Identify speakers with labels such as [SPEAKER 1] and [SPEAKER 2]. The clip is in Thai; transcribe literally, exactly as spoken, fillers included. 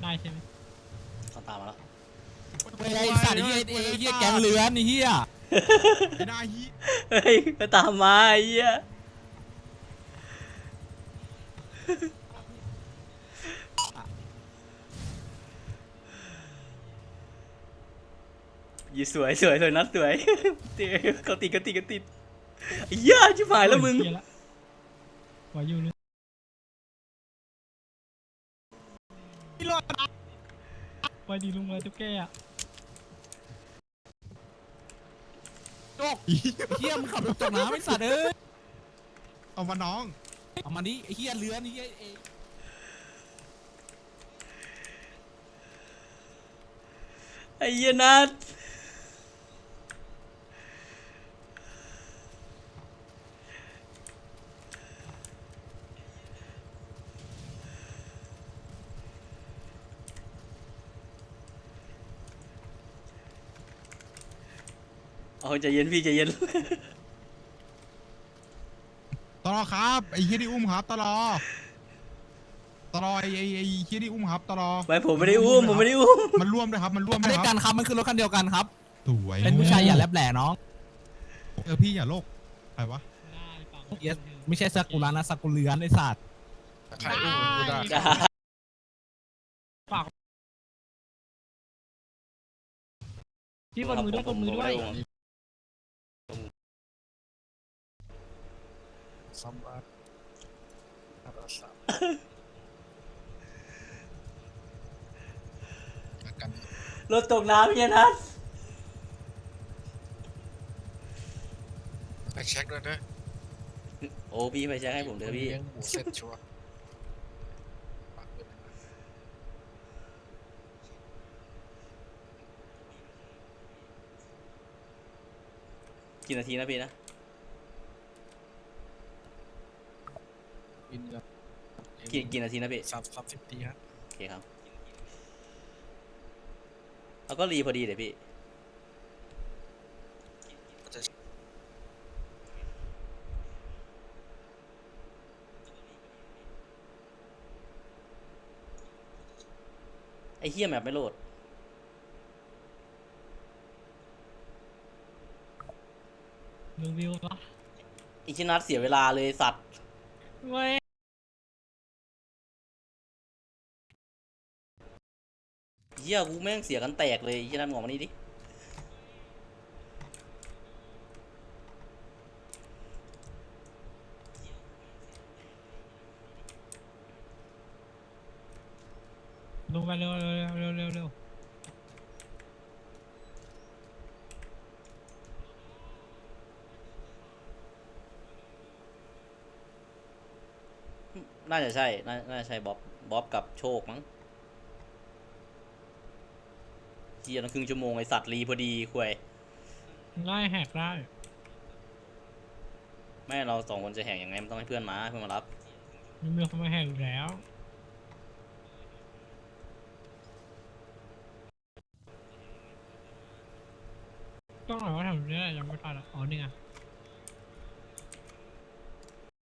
[SPEAKER 1] ได้ใช่ไหม
[SPEAKER 2] เขาตามมาแล้ว
[SPEAKER 3] ไอ้สัตว์ไอ้เหี้ยไอ้เหี้ยแกงเลือนไอ้เหี้ย
[SPEAKER 4] ไอ้นายฮี
[SPEAKER 2] เฮ้ยไปตามมาไอ้เหี้ยยี่สวยสวยสวยนัดสวยเขาติดเขาติดเขาติดไอ้เหี้ยชิบหายแล้วมึง
[SPEAKER 1] วายุเลยไปดีลุงมาตุ๊กแกอ่ะ
[SPEAKER 3] โจกเหี้ยมึงขับรถจกน้ำไอ้สัตว์เอ้ย
[SPEAKER 4] เอามาน้อง
[SPEAKER 3] เอามาดิไอ้เหี้ยเลือนไอ้เหี้ยไอ้
[SPEAKER 2] ไอ้เหี้ยนัดเอาใจเย็นพี่ใจเย็น
[SPEAKER 4] ตลอครับไอ้เฮียที่อุ้มครับตลอตลอไอ้ไอ้ไอ้เฮียที่อุ้มครับตลอ
[SPEAKER 2] ไม่ผมไม่ได้อุ้มผมไม่ได้อุ้ม
[SPEAKER 4] มันร่วมด้วยครับมันร่วม
[SPEAKER 3] มา
[SPEAKER 4] ด้ว
[SPEAKER 3] ด้วย ย
[SPEAKER 4] ค
[SPEAKER 3] กั
[SPEAKER 4] รับ
[SPEAKER 3] นครับมันคือรถคันเดียวกันครับ
[SPEAKER 4] สวย
[SPEAKER 3] เป็นผู้ชายอย่าแลบแหล่น้อง
[SPEAKER 4] เออพี่อย่าโลกใครวะ
[SPEAKER 3] เหี้ยไม่ใช่ซากุระนะซากุเลือนไอ้สัตว์
[SPEAKER 4] ใครอุ้มกูได้
[SPEAKER 1] พี่กดมือด้วยกดมือด้วย
[SPEAKER 4] ซัมบาร์กัน
[SPEAKER 2] รถตกน้ำเหี้ยนัด
[SPEAKER 5] ไปเช็คด้วยเด้อ
[SPEAKER 2] โอ้พี่ไปแจ้งให้ผมเถอะพี่
[SPEAKER 5] เลี้ยงหมูเสร็จชัวร์
[SPEAKER 2] กี่นาทีนะพี่นะ
[SPEAKER 5] บินกับ
[SPEAKER 2] กี่กี่นาทีนะพี่
[SPEAKER 5] สามสามสิบปีครับ
[SPEAKER 2] โอเคครับแล้วก็รีพอดีเลยพี่ไอ้เหี้ยแมปไม่โหลด
[SPEAKER 1] ลุงวิวปะ
[SPEAKER 2] อีชินัทเสียเวลาเลยสัตว์
[SPEAKER 1] ไม่
[SPEAKER 2] เหี้ยกูแม่งเสียกันแตกเลยอีชินัทมองมานี่ดิ
[SPEAKER 1] ลงไปเร็วเร็วเร็วเร็วเร็ว
[SPEAKER 2] น่าจะใช่น่าน่าจะใช่บ๊อบบ๊อบกับโชคมั้งเหี้ยนั่นครึ่งชั่วโมงไอสัตว์รีพอดีคุย
[SPEAKER 1] ได้แหกได้
[SPEAKER 2] แม่เราสองคนจะแหกยังไงมันต้องให้เพื่อนมาเพื่อนมารับ
[SPEAKER 1] มีมือเขามาแหกอยู่แล้วต้องหน่อยว่าทำได้ยังไม่ทันอ่ะอ๋อนี่ไง